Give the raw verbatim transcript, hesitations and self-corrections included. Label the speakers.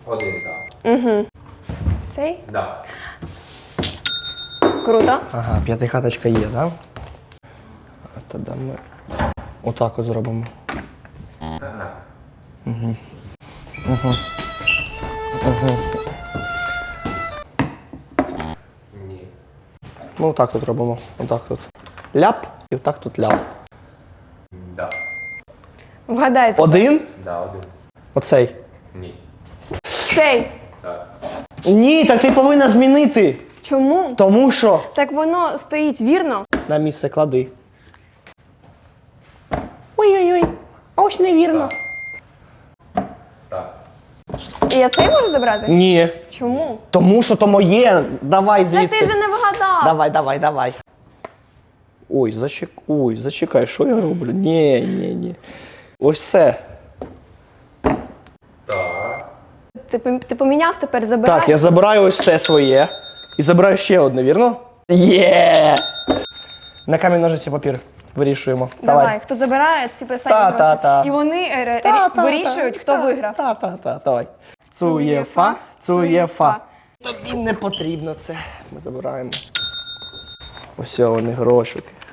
Speaker 1: Один, так.
Speaker 2: Угу. Цей?
Speaker 1: Да.
Speaker 2: Круто.
Speaker 3: Ага, п'ятихаточка є, да? А тоді ми отак от зробимо.
Speaker 1: Ага.
Speaker 3: Угу. Угу. Угу.
Speaker 1: Ні.
Speaker 3: Ну, отак тут робимо. Отак тут. Ляп і отак тут ляп.
Speaker 1: Да.
Speaker 2: Вгадайте.
Speaker 3: Один?
Speaker 1: Да, один.
Speaker 3: Оцей.
Speaker 1: Ні.
Speaker 2: Цей.
Speaker 1: Так.
Speaker 3: Ні, так ти повинна змінити.
Speaker 2: Чому?
Speaker 3: Тому що
Speaker 2: Так воно стоїть вірно.
Speaker 3: на місце клади. Ой-ой-ой. А ось невірно.
Speaker 1: Так.
Speaker 2: І я цей можу забрати?
Speaker 3: Ні.
Speaker 2: Чому?
Speaker 3: Тому що то моє. Давай
Speaker 2: Та
Speaker 3: звідси.
Speaker 2: ти ж не вгадав.
Speaker 3: Давай, давай, давай. Ой, зачек... Ой, зачекай, що я роблю? Ні, ні, ні. Ось це.
Speaker 1: Так.
Speaker 2: Ти, пом- ти поміняв, тепер забирай.
Speaker 3: Так, я забираю ось це своє. І забираю ще одне, вірно? Є! На камінь, ножиці, папір. Вирішуємо.
Speaker 2: Давай, хто забирає, ці писані
Speaker 3: Та,
Speaker 2: гроші.
Speaker 3: та, та.
Speaker 2: І вони е, ре-
Speaker 3: Та,
Speaker 2: рі-
Speaker 3: та,
Speaker 2: вирішують,
Speaker 3: та,
Speaker 2: хто
Speaker 3: та,
Speaker 2: виграв.
Speaker 3: Та, та, та, давай. Цуєфа, цуєфа. Тобі не потрібно це. Ми забираємо. Ось вони грошики.